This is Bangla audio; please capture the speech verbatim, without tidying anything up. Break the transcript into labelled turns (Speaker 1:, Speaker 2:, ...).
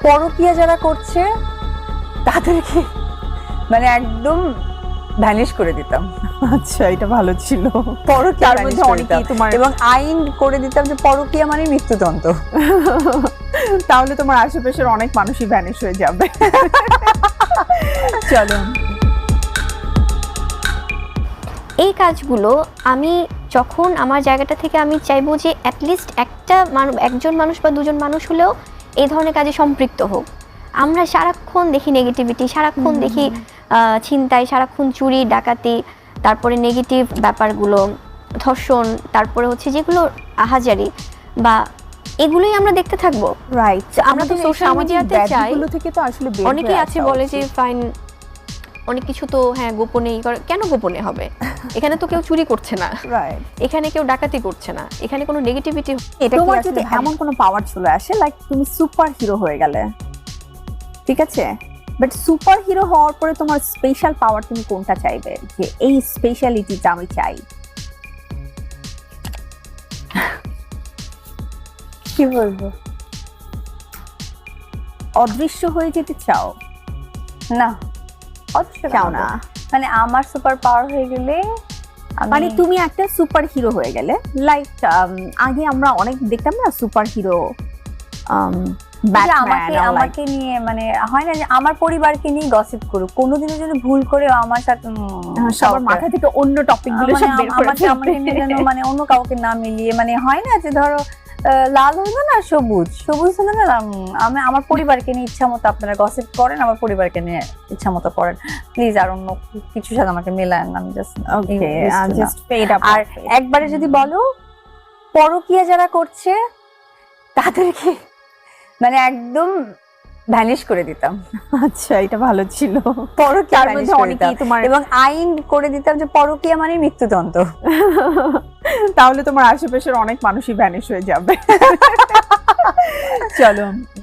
Speaker 1: পরকীয়া যারা করছে তাদেরকে মানে একদম ভ্যানিশ করে দিতাম।
Speaker 2: আচ্ছা, এটা ভালো ছিল।
Speaker 1: পরকীয়ার
Speaker 2: তার
Speaker 1: মধ্যে
Speaker 2: মধ্যে
Speaker 1: অনেকেই
Speaker 2: অনেকেই তোমার
Speaker 1: এবং আইন করে দিতাম যে পরকীয়া মানে মৃত্যুদণ্ড।
Speaker 2: তাহলে তোমার আশেপাশের অনেক মানুষই ভ্যানিশ হয়ে যাবে। চলো,
Speaker 3: এই কাজগুলো আমি যখন আমার জায়গাটা থেকে আমি চাইবো যে অ্যাটলিস্ট একটা মানুষ, একজন মানুষ বা দুজন মানুষ হলেও এই ধরনের কাজে সম্পৃক্ত হোক। আমরা সারাক্ষণ দেখি নেগেটিভিটি, সারাক্ষণ দেখি ছিনতাই, সারাক্ষণ চুরি ডাকাতি, তারপরে নেগেটিভ ব্যাপারগুলো, ধর্ষণ, তারপরে হচ্ছে যেগুলো আহাজারি বা এগুলোই আমরা দেখতে থাকবো।
Speaker 2: রাইট।
Speaker 3: আমরা তো সোশ্যাল মিডিয়াতে চাই,
Speaker 2: থেকে তো আসলে বের
Speaker 3: অনেকেই
Speaker 2: হয়ে
Speaker 3: আছে
Speaker 2: আসা
Speaker 3: বলে যে
Speaker 2: উচিত।
Speaker 3: ফাইন অনেক কিছু তো হ্যাঁ গোপনেই করে, কেন গোপনে হবে? এখানে তো কেউ চুরি করছে না,
Speaker 2: রাইট।
Speaker 3: এখানে কেউ ডাকাতি করছে না, এখানে কোনো নেগেটিভিটি।
Speaker 2: এটা তোমার যদি এমন কোনো পাওয়ার চলে আসে, লাইক তুমি সুপার হিরো হয়ে গেলে, ঠিক আছে, বাট সুপার হিরো হওয়ার পরে তোমার স্পেশাল পাওয়ার তুমি কোনটা চাইবে, যে এই স্পেশালিটিটা আমি চাই?
Speaker 1: কি বলবো,
Speaker 2: অদৃশ্য হয়ে যেতে চাও?
Speaker 1: না অবশ্যই
Speaker 2: চাও না।
Speaker 1: মানে আমার সুপার পাওয়ার হয়ে গেলে
Speaker 2: মানে তুমি একটা সুপার হিরো হয়ে গেলে, লাইক আগে আমরা অনেক দেখতাম না সুপার হিরো,
Speaker 1: আমাকে আমাকে নিয়ে মানে হয় না যে আমার পরিবারকে নিয়ে গসিপ করুক, কোনোদিনের জন্য ভুল করে আমার সাথে
Speaker 2: সবার মাথা থেকে অন্য টপিক গুলো সব বের করে
Speaker 1: আমাকে আমাকে নিয়ে যেন মানে অন্য কাউকে না মিলিয়ে, মানে হয় না যে ধরো লাল হলো না সবুজ, সবুজ হলো না, আমি আমার পরিবারকে নিয়ে ইচ্ছা মতো আপনারা গসিপ করেন, আমার পরিবারকে নিয়ে ইচ্ছা মতো করেন প্লিজ, আর অন্য কিছুর সাথে আমাকে মেলায় না। আমি just
Speaker 2: okay, just fed up.
Speaker 1: আর একবারে যদি বলো পরকীয়া যারা করছে তাদেরকে মানে একদম ভ্যানিশ করে দিতাম।
Speaker 2: আচ্ছা, এটা ভালো ছিল।
Speaker 1: পরকীয়ার
Speaker 2: তার
Speaker 1: মধ্যে
Speaker 2: মধ্যে
Speaker 1: অনেকেই
Speaker 2: অনেকেই তোমার
Speaker 1: এবং আইন করে দিতাম যে পরকীয়া মানে মৃত্যুদণ্ড।
Speaker 2: তাহলে তোমার আশেপাশের অনেক মানুষই ভ্যানিশ হয়ে যাবে। চলো।